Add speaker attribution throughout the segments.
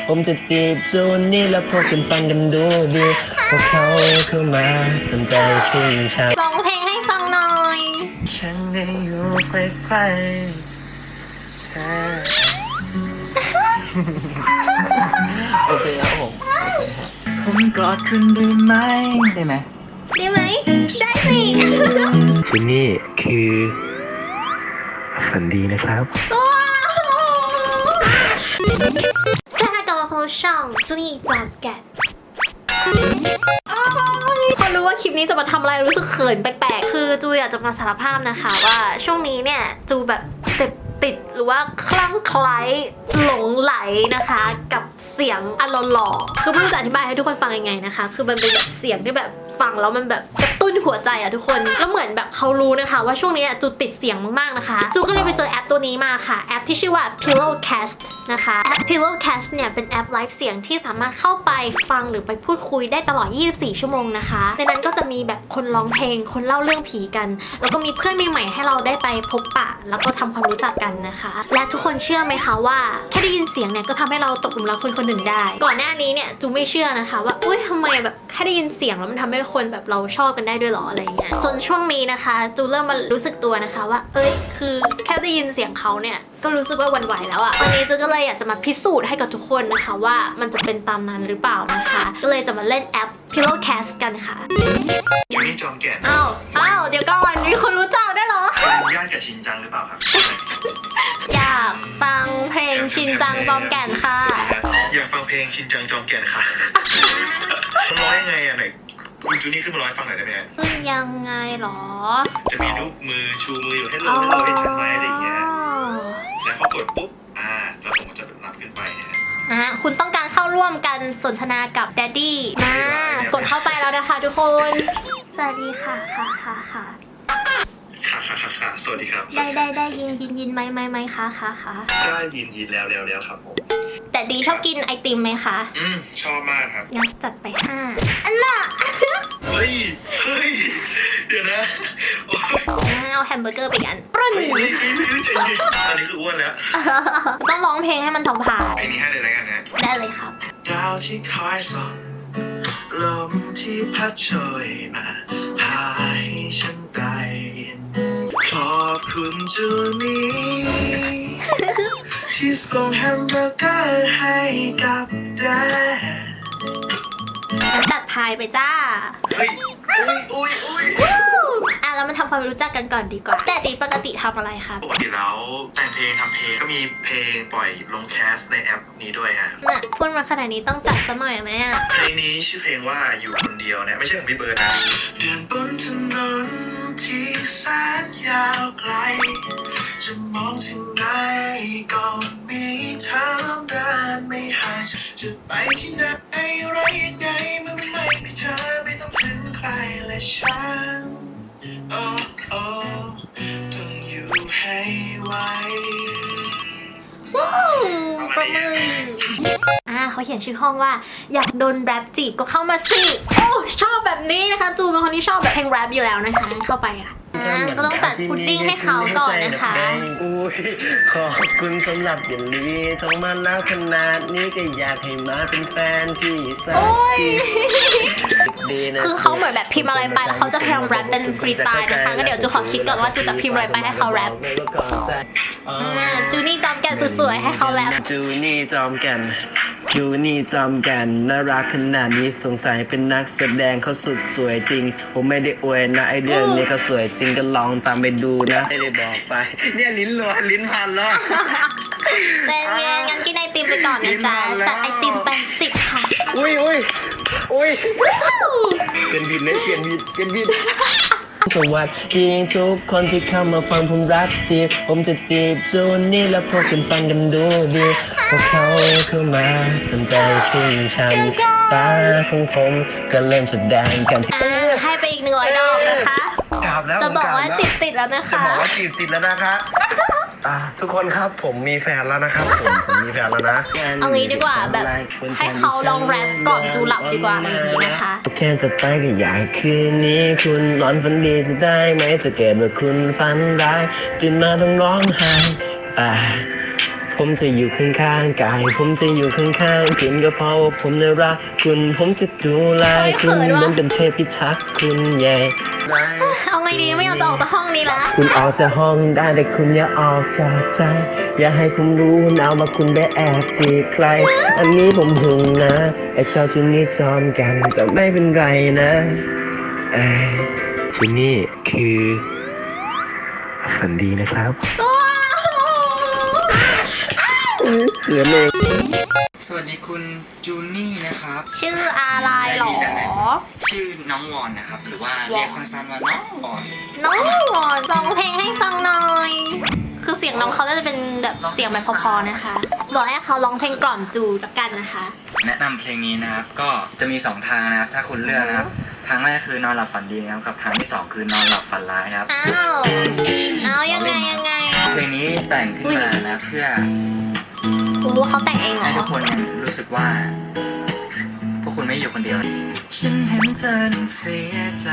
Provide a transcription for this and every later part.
Speaker 1: ผมจะจีบจูนนี่แล้วพวกคุณฟังกันดูดีพวกเขาเข้ามาสนใจชื่นชม
Speaker 2: ร้องเพลงให้ฟังหน่อย
Speaker 1: ฉันได้อยู่ใกล้ๆเธอโอเคครับผมกอดคุณได้ไหมได้ไหม
Speaker 2: ได้ไหม ได้สิ
Speaker 1: จูนี่คือฝันดีนะครับ
Speaker 2: สวัสดีกับพวกช่องจูนี่จอมแกะพอรู้ว่าคลิปนี้จะมาทำอะไรรู้สึกเขินแปลกๆคือจูอยากจะมาสารภาพนะคะว่าช่วงนี้เนี่ยจูแบบเสพติดหรือว่าคลั่งไคล้หลงไหลนะคะกับเสียงอารมณ์หล่อคือไม่รู้จะอธิบายให้ทุกคนฟังยังไงนะคะคือมันเป็นแบบเสียงที่แบบฟังแล้วมันแบบกระตุ้นหัวใจอะทุกคนแล้วเหมือนแบบเขารู้นะคะว่าช่วงนี้จูติดเสียงมากๆนะคะจูก็เลยไปเจอแอปตัวนี้มาค่ะแอปที่ชื่อว่า Pillowcast นะคะแอป Pillowcast เนี่ยเป็นแอปไลฟ์เสียงที่สามารถเข้าไปฟังหรือไปพูดคุยได้ตลอด 24 ชั่วโมงนะคะในนั้นก็จะมีแบบคนร้องเพลงคนเล่าเรื่องผีกันแล้วก็มีเพื่อนใหม่ๆให้เราได้ไปพบปะแล้วก็ทำความรู้จักกันนะคะและทุกคนเชื่อไหมคะว่าแค่ได้ยินเสียงเนี่ยก็ทำให้เราตกหลุมรักคนคนหนึ่งได้ก่อนหน้านี้เนี่ยจูไม่เชื่อนะคะว่าอุ้ยทำไมแบบแค่ได้ยินเสียงแล้วมันทำให้คนแบบเราชอบกันได้ด้วยหรออะไรเงี้ยจนช่วงนี้นะคะจูเริ่มมารู้สึกตัวนะคะว่าเอ้ยคือแค่ได้ยินเสียงเขาเนี่ยก็รู้สึกว่าหวั่นไหวแล้วอะวันนี้จูก็เลยอยากจะมาพิสูจน์ให้กับทุกคนนะคะว่ามันจะเป็นตามนั้นหรือเปล่านะคะก็เลยจะมาเล่นแอป Pillowcast กันค่ะ
Speaker 3: จูนี่จอมแก่น
Speaker 2: อ้าวเดี๋ยวก่อนมีคนรู้จักได้วยเหรอ
Speaker 3: เป็นญาติกับชินจังหรือเปล่าครับ
Speaker 2: อยากฟังเพลงชินจังจอมแก่นค่ะ
Speaker 3: อยากฟังเพลงชินจังจอมแก่นค่ะ มันร้อยยังไงอ่ะไหนคุณจูนี่ขึ้นมาร้อยฟังหน่อยได้ไหมฮะ
Speaker 2: คือยังไงหรอ
Speaker 3: จะมีรูปมือชูมืออยู่ให้เราเห็นชัดไหมอะไรอย่างเงี้ยแล้วพอกดปุ๊บแล้วผมก็จะรับขึ้นไปนะฮะ
Speaker 2: คุณต้องการเข้าร่วมกันสนทนากับแดดดี้กดเข้าไปแล้วนะคะทุกคน สวัสดีค่ะค่ะ
Speaker 3: ค่ะสวัสดีครับ
Speaker 2: ได้ยินไหมค่ะค่ะ
Speaker 3: ได้ยินแล้วครับผม
Speaker 2: แต่ดีชอบกินไอติมไหมคะ
Speaker 3: ชอบมากครับ
Speaker 2: งั้นจัดไป5อันน่ะ
Speaker 3: เฮ้ยเดี๋ยวนะโอ๊ย
Speaker 2: เอาแฮมเบอร์เกอร์ไปกันปรึ้น
Speaker 3: เฮ้ยใจเย็นอันนี้คืออ้วนแล้ว
Speaker 2: ต้องร้องเพลงให้มันทองผ่าน
Speaker 3: เพลงนี้ให้เลยแล้วกันนะ
Speaker 2: ได้เลยครับ
Speaker 3: ดาวที่คอยส่องลมที่พัดโชยมาพาให้ฉันได้ยินขอบคุณจูนี่ ที่ส่งแฮมเบอร์เกอร์ให้กับแดด
Speaker 2: งั้นจัดพายไปจ้า
Speaker 3: เฮ้ยอุ้ย
Speaker 2: แล้วมาทำความรู้จักกันก่อนดีกว่า แต่ตีปกติทำอะไรครับ
Speaker 3: ปกติแล้วแต่งเพลงทำเพลงก็มีเพลงปล่อยลงแคสในแอปนี้ด้วยฮะ
Speaker 2: น่ะพูดมาขนาดนี้ต้องจัดซะหน่อยไหมอ่ะ
Speaker 3: เพลงนี้ชื่อเพลงว่าอยู่คนเดียวเนี่ยไม่ใช่ของพี่เบิร์ดนะเดินบนถนนที่แสนยาวไกลจะมองถึงไหนก็มีเธอลมเดินไม่หายจะไปที่ไหนอะไรยังไงมันไม่มีเธอไม่ต้องพึ่งใครและฉันโอ้ต้องอยู่ให้ไหว
Speaker 2: ว้าวประมือเขาเขียนชื่อห้องว่าอยากโดนแรปจีบก็เข้ามาสิโอ้ชอบแบบนี้นะคะจูเป็นคนที่ชอบแบบเพลงแรปอยู่แล้วนะคะเข้าไปก็ต้องจัดพุดดิ้งให้เขาก่อนนะคะ
Speaker 1: อุ้ยขอบคุณสำหรับอย่างนี้โทรมาแล้วขนาดนี้ก็อยากให้มาเป็นแฟนพี่สักที
Speaker 2: คือเขาเหมือนแบบพิมพ์อะไรไปแล้วเขาจะพยายามแรปเป็นฟรีสไตล์นะคะก็เดี๋ยวจูขอคิดก่อนว่าจูจะพิมพ์อะไรไปให้เขาแรปจูนี่จอมแก่นสวยๆให้เขาแรป
Speaker 1: จูนี่จอมแก่นน่ารักขนาดนี้สงสัยเป็นนักแสดงเขาสุดสวยจริงผมไม่ได้อวยนะไอเรื่องนี้เขาสวยจริงก็ลองตามไปดูนะไม่ได้บอกไปเนี่ยลิ้นพันแล้ว
Speaker 2: แต่เย็นงั้นกินไอติมไปก่อนนะจ๊ะจัดไอติมไป10ค่ะ
Speaker 1: อุ้ยเปลี่ยนบิดสวัสดีทุกคนที่เข้ามาฟังผมรักจีบผมจะจีบจูนี่แล้วพวกคุณฟังกันดูดีพวกเขาเข้ามาสนใจชื่นชมตาของผมก็เริ่มแสดงกัน
Speaker 2: ให้ไปอีก100 ดอกนะคะจะบอกว่าจีบติดแล้วนะคะ
Speaker 1: ทุกคนครับผมมีแฟนแล้วนะครับผมมีแฟนแล้วนะ
Speaker 2: เอางี้ดีกว่าแบบให้เขาลองแรปก่อนจูหลับดีกว่าอะไรอย่างนี้นะคะ
Speaker 1: แค่จะไปก็อยากคืนนี้คุณนอนฝันดีจะได้ไหมจะเกิดว่าคุณฝันร้ายตื่นมาต้องร้องไห้ผผมจะอยู่ข้างๆกายผมจะอยู่ข้างๆคุณก็เพราะว่าผมน่ารักคุณผมจะดูแลคุณเหมือนเป็นเทพพิทักษ์คุณใหญ่
Speaker 2: เอาไงดีไม่อยากจะออกจากห้องนี้ละ
Speaker 1: คุณออกจากห้องได้แต่คุณอย่าออกจากใจอย่าให้ผมรู้นะว่าคุณได้แอบจีบใครอันนี้ผมหึงนะไอ้ชอบที่นี่จอมกันแต่ไม่เป็นไรนะที่นี่คือฝันดีนะครับเหลือเอง
Speaker 4: สวัสดีคุณจูนี่นะครับ
Speaker 2: ชื่ออะไรหรอ
Speaker 4: ชื่อน้องวอนนะครับ หรือว่าเรียกสั้นๆว่าน้องวอน
Speaker 2: น้องวอนร้องเพลงให้ฟังหน่อย คือเสียงน้องเขาจะเป็นแบบเสียงแบบพอๆนะคะบอกให้เขาร้องเพลงกล่อมจูละกันนะคะ
Speaker 4: แนะนำเพลงนี้นะครับ ก็จะมี2ทางนะครับ ถ้าคุณเลือกนะครับ ทางแรกคือนอนหลับฝันดีนะครับกับทางที่2คือนอนหลับฝันร้ายครับ
Speaker 2: อ้าวยังไง
Speaker 4: เพลงนี้แต่งขึ้นมานะเพื่อ
Speaker 2: โอ้เขาแต่งเองเหร
Speaker 4: ให้ทุ
Speaker 2: อก
Speaker 4: คนรู้สึกว่า พวกคุณไม่อยู่คนเดียว ฉันเห็นเธอนั้นเสียใจ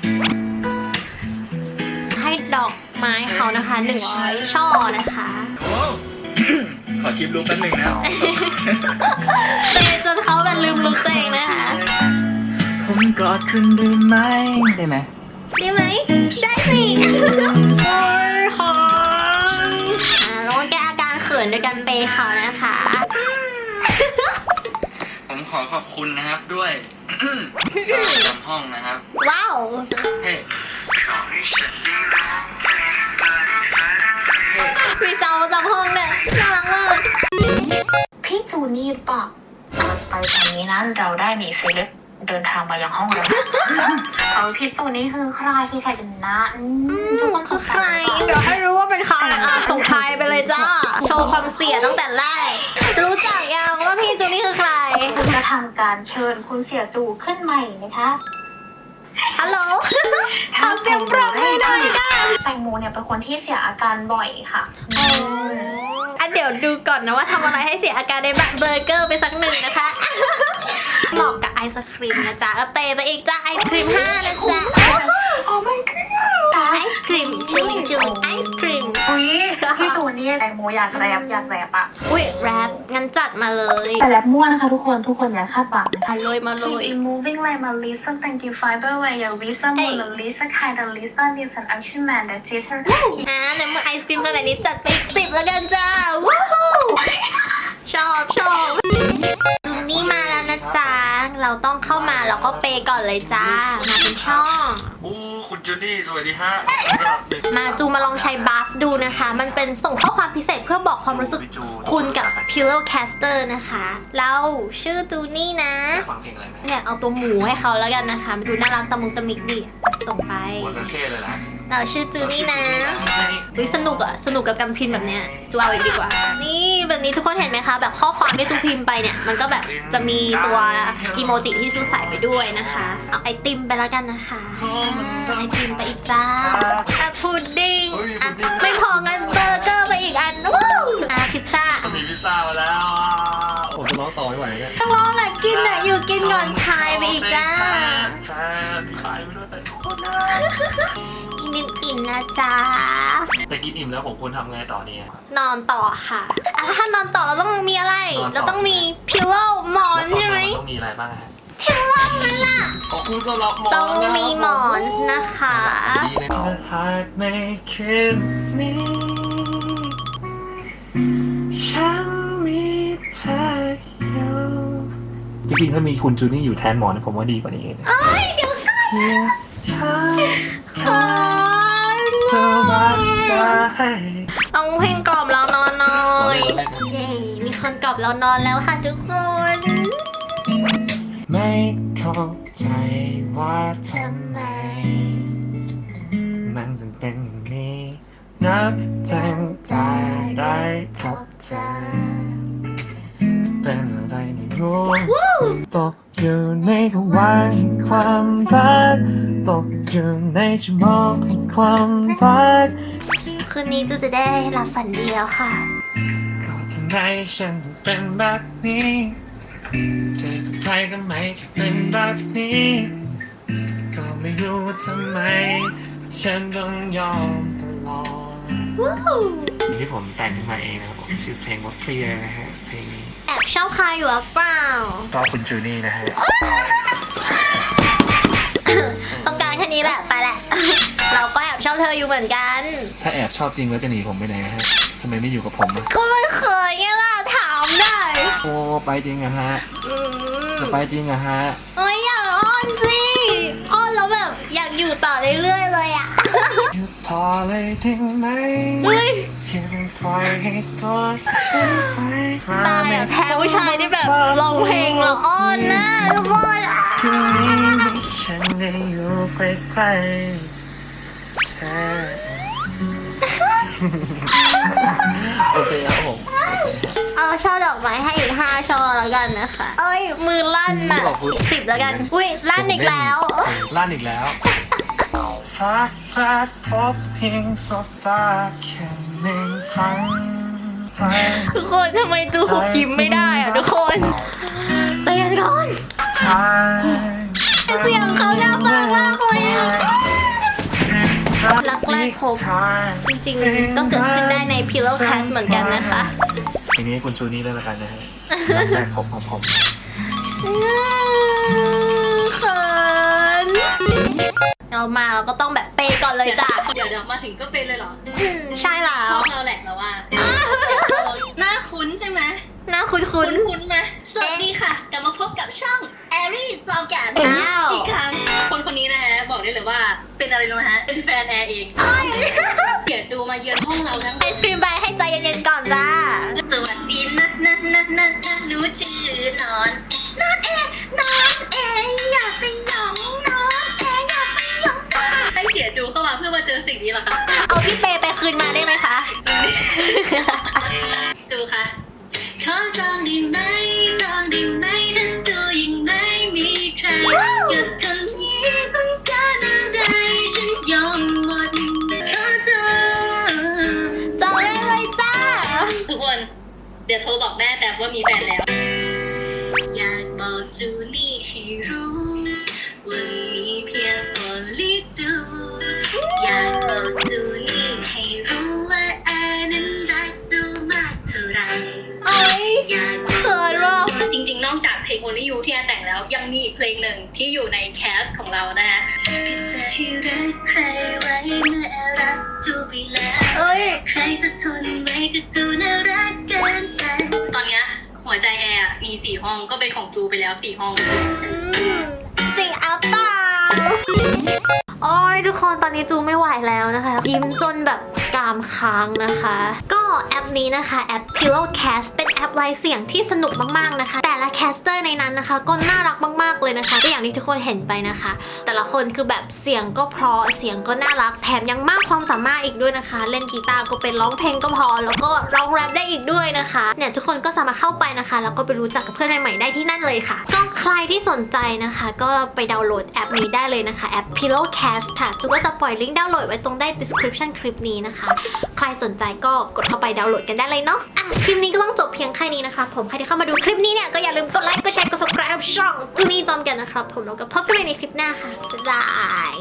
Speaker 2: ให้ดอกไม้เขานะคะ100 ช่อนะคะ
Speaker 4: โอ้ ขอคลิปลุกแป๊บหนึงนะ
Speaker 2: เตะจนเขาแบบลืมลุกตัวเองนะคะ
Speaker 4: ผมกอดคุณได้ไหมได้ไหม
Speaker 2: ได้ไหม ได้สิค่ะแล้วก็แก้อาการเขินด้วยกันเปย์เขานะคะ
Speaker 4: ผมขอขอบคุณนะครับด้วย สาวจำห้องนะครับ
Speaker 2: ว้าว
Speaker 4: เฮ้
Speaker 2: มีเซาจำห้องเนี่ยน่ารักมาก
Speaker 5: พี่จูนี่ปะเราจะไปตอนนี้นะเราได้มีเซเลบเดินทางมายังห้องเราพี่จูนี่คือใครคือใครกันนะทุกคนส
Speaker 2: คือง ใค
Speaker 5: สั
Speaker 2: ร
Speaker 5: ย
Speaker 2: เดี๋ยวให้รู้ว่าเป็นใครส่งใครไปเลยจ้า โชว์ความเสียตั้งแต่แรก รู้จักยังว่าพี่จูนี่คือใคร
Speaker 5: คุณจะทำการเชิญคุณเสี่ยจูขึ้นใหม่นะคะ
Speaker 2: ฮัลโหล ขอเสียงปรบมือหน่อยค่ะ
Speaker 5: แตงโมเนี่ยเป็นคนที่เสียอาการบ่อยค่ะ
Speaker 2: เดี๋ยวดูก่อนนะว่าทำอะไรให้เสียอาการในแบบเบอร์เกอร์ไปสักหนึ่งนะคะ เหมาะกับไอศครีมนะจ๊ะเปย์ไปอีกจ้าไอศครีม5นะจ๊ะ
Speaker 5: โอ้ my god
Speaker 2: ไอศครีมชิลลิ่งไอศครีม
Speaker 5: อุ้ยพี่จูนี่แตงโมอยากแรปอะ
Speaker 2: อุ้ยแรปงั้นจัดมาเลย
Speaker 5: แต่แรปมั่วนะคะทุกคนอย่าคาดหวังนะคะ
Speaker 2: มาเลย
Speaker 5: Keep moving like Melissa, thank you fiber where your Visa, Mona Lisa, kind of Lisa, needs an action man that did her.
Speaker 2: ในเมื่อไอศครีมขนาดนี้จัดไปอีก10แล้วกันจ้าว้าวชอบนี่มาแล้วนะจ๊ะเราต้องเข้ามาแล้วก็เปย์ก่อนเลยจ้ามาเป็นช่อง
Speaker 4: อู้คุณจูนี่สวัสดีฮะ
Speaker 2: มาจูมาลองใช้บัฟดูนะคะ มันเป็นส่งข้อความพิเศษเพื่อบอกความรู้สึกคุณกับ Pillowcaster นะคะเราชื่อจูนี่นะ
Speaker 4: ฟังเพลงอะไรไหม
Speaker 2: เนี่ยเอาตัวหมูให้เขาแล้วกันนะคะดูน่ารักตะมุงตะมิกดิส่งไป
Speaker 4: หัวซาเช่เลยล่ะ
Speaker 2: เราชื่อจูนี่นะวิสนุกกับการพิมพ์แบบเนี้ยจูเอาอีกดีกว่า นี่แบบนี้ทุกคนเห็นไหมคะ แบบข้อความที่จูพิมพ์ไปเนี่ยมันก็แบบจะมีตัวอีโมจิที่จูใส่ไปด้วยนะคะเอาไอติมไปแล้วกันนะคะไอติมไปอีกจ้าพุดดิ้งไม่พองั้นเบอร์เกอร์ไปอีกอันว้าวพิซซ่า
Speaker 4: มีพิซซ่ามาแล้ว
Speaker 1: ผมจะร้องต่อไม่ไหวเนี่ย
Speaker 2: ต้องร้องอ่ะกินอ่ะอยู่กินก่อนทายไปอีกจ้า
Speaker 4: ใช่ขายไปด้วยไปทุกคนนะ
Speaker 2: กินอิ่มนะจ๊ะ
Speaker 4: แต่กินอิ่มแล้วผมควรทำไงต่อเนี่ย
Speaker 2: นอนต่อค่ะถ้านอนต่อเราต้องมีอะไร เราต้องมีพิลโลหมอนใช่ไหม
Speaker 4: ต้องมีอะไรบ้างฮะ
Speaker 2: พิลโลนั่นล่ะ
Speaker 4: ขอบคุณสำหรับหมอน
Speaker 2: ต้องมีหมอนนะคะ
Speaker 4: ดีเลยจะหากไม่คืนนี้ฉันมีเธออยู่จริงๆถ้ามีคุณจูนี่อยู่แทนหมอนผมว่าดีกว่านี้
Speaker 2: เอ้ยเดี๋ยวก่อนขอ
Speaker 4: เธอรักใจ
Speaker 2: ต้องเพลงกล่อมเรานอนหน่อยเย้มีคนกล่อมเรานอนแล้วค่ะทุกคน
Speaker 4: ไม่เข้าใจว่าทำไมมันถึงเป็นอย่างนี้นับตั้งแต่ได้พบเธอเป็นอะไรไม่รู้ตกอยู่ในภวังค์ความรักตกอยู่ในชั่วโมงแห่งความรัก
Speaker 2: คืนนี้จูจะได้หลับฝันดีแล้วค่ะ
Speaker 4: ก็ทำไมฉันถึงเป็นแบบนี้เจอกับใครก็ไม่เป็นแบบนี้ ก็ไม่รู้ว่าทำไมฉันต้องยอมตลอดเพลงที่ผมแต่งขึ้นมาเองนะครับผมชื่อเพลงว่าเคลียร์นะฮะเพลงนี้
Speaker 2: แอบชอบใครอยู่หรือเปล่า
Speaker 4: ก็คุณจูนี่นะฮะ
Speaker 2: ต้องการแค่นี้แหละไปแหละ เราก็แอบชอบเธออยู่เหมือนกัน
Speaker 4: ถ้าแอบชอบจริงแล้วจะหนีผมไปไหนฮะทำไมไม่อยู่กับผมอะ
Speaker 2: ก็ไม่เคยไงล่ะถามได้
Speaker 4: โอ้ไปจริงอะฮะ
Speaker 2: อืม
Speaker 4: จะไปจริงอะฮะ
Speaker 2: เอ้ยอยากอ้อนสิอ้อนแล้วแบบอยากอยู่ต่อเรื่อยๆเลยอ่ะ
Speaker 4: หยุดทอเลยได้ไหม
Speaker 2: เฮ้ย
Speaker 4: ยังปล่อยให้ตัวฉันไป
Speaker 2: ตายอ่ะแพ้ผู้ชายที่แบบร้องเพลงแล้วอ้อนนะทุกคนอ่ะ
Speaker 4: คืนนี้ฉันได้อยู่ใกล้ๆเธอโอเคครับผม
Speaker 2: เอาช่อดอกไม้ให้อีก5 ช่อแล้วกันนะคะ เอ้ยมือลั่นอ่ะ10แล้วกัน อุ้ยลั่นอีกแล้ว
Speaker 4: ลั่นอีกแล้วพักพลาดพบเพียงสบตาแค่หนึ่งครั้งไป
Speaker 2: ทุกคนทำไมจูหกยิ้มไม่ได้อ่ะทุกคนใจเย็นก่อน
Speaker 4: ทาง
Speaker 2: เสียงเขาน่าฟังมากเลยอ่ะ รักแรกพบ จริงๆก็เกิดขึ้นได้ใน Pillow Cast เหมือนกันนะคะ
Speaker 4: ทีนี้คุณชูนี่ได้แล้วกันนะฮะรักแรกพบของผม
Speaker 2: เขินเราก็ต้องแบบเปย์ก่อนเลยจ้ะ
Speaker 6: เดี๋ยวมาถึงก็เป็นเลยเหรอ
Speaker 2: ใช่แล้
Speaker 6: ช
Speaker 2: ว
Speaker 6: อบเราแหละเราว่าหน้าคุ้นใช่ไหม
Speaker 2: หน้าคุ้น
Speaker 6: คุ้นไหมสวัสดีค่ะ กลับมาพบกับช่องแอรี่จอมแก่น
Speaker 2: อ้าว
Speaker 6: อีกครั้งคนนี้นะฮะบอกได้เลยว่าเป็นอะไรรู้ไหมฮะเป็นแฟนแอร์เองเดี๋ยวจูมาเยือนห้องเราทั้ง
Speaker 2: ไอศครีมใบให้ใจเย็นๆก่อนจ้า
Speaker 6: สวัสดีนะหนูชื่อนอนอยากไปหยองนอนแออยากไปหยองให้เสียจูเข้ามาเพื่อมาเจอสิ่งนี้เหรอคะ
Speaker 2: เอาพี่เปย์ไปคืนมาได้ไหมคะ
Speaker 6: จูค่ะขอจองได้ไหมถ้าจูยังไม่มีใครกับคนนี้ต้องการอะไรฉันยอมหมดขอจอง
Speaker 2: จองได้เลยจ้า
Speaker 6: ทุกคน เดี๋ยวโทรบอกแม่แบบว่ามีแฟนแล้ว อยากบอกจูนี่ให้รู้ว่ามีเพียงโอลิจูอยากบอกจูนี่ให้รู้ว่าแอนั้นรักจูมากเท่าไร
Speaker 2: เอ้ย
Speaker 6: อยาก
Speaker 2: เขินว่ะ
Speaker 6: จริงๆ นอกจากเพลง Only You ที่แอนแต่งแล้ว ยังมีอีกเพลงหนึ่งที่อยู่ในแคสของเรานะฮะจะให้รักใครไว้เมื่อแอรักจูไปแล้ว
Speaker 2: เอ้ย
Speaker 6: ใครจะทนไว้กับจูน่ารักเกินไปตอนเนี้ยหัวใจแอร์มี4 ห้องก็เป็นของจูไปแล้ว4 ห้อง
Speaker 2: จริงอัปเปล่าโอ้ยทุกคนตอนนี้จูไม่ไหวแล้วนะคะ ยิ้มจนแบบกรามค้างนะคะ ก็แอปนี้นะคะแอป Pillowcast เป็นแอปไลฟ์เสียงที่สนุกมากๆนะคะ แต่ละแคสเตอร์ในนั้นนะคะ ก็น่ารักมากๆเลยนะคะก็อย่างที่ทุกคนเห็นไปนะคะ แต่ละคนคือแบบเสียงก็เพราะเสียงก็น่ารักแถมยังมากความสามารถอีกด้วยนะคะ เล่นกีตาร์ก็เป็นร้องเพลงก็พอแล้วก็ร้องแรปได้อีกด้วยนะคะเนี่ยทุกคนก็สามารถเข้าไปนะคะแล้วก็ไปรู้จักกับเพื่อนใหม่ๆได้ที่นั่นเลยค่ะ ก็ใครที่สนใจนะคะ ก็ไปดาวน์โหลดแอปนี้ได้เลยนะคะแอป Pillowcast ค่ะจูก็จะปล่อยลิงก์ดาวน์โหลดไว้ตรงใต้ description คลิปนี้นะคะ ใครสนใจก็กดเข้าไปดาวน์โหลดกันได้เลยเนาะอ่ะคลิปนี้ก็ต้องจบเพียงแค่นี้นะคะผมใครที่เข้ามาดูคลิปนี้เนี่ยก็อย่าลืมกดไลค์กดแชร์กด subscribe ช่องจูนี่จอมแก่นนะครับผมแล้วก็พบกันใหม่ในคลิปหน้าค่ะบ๊ายบาย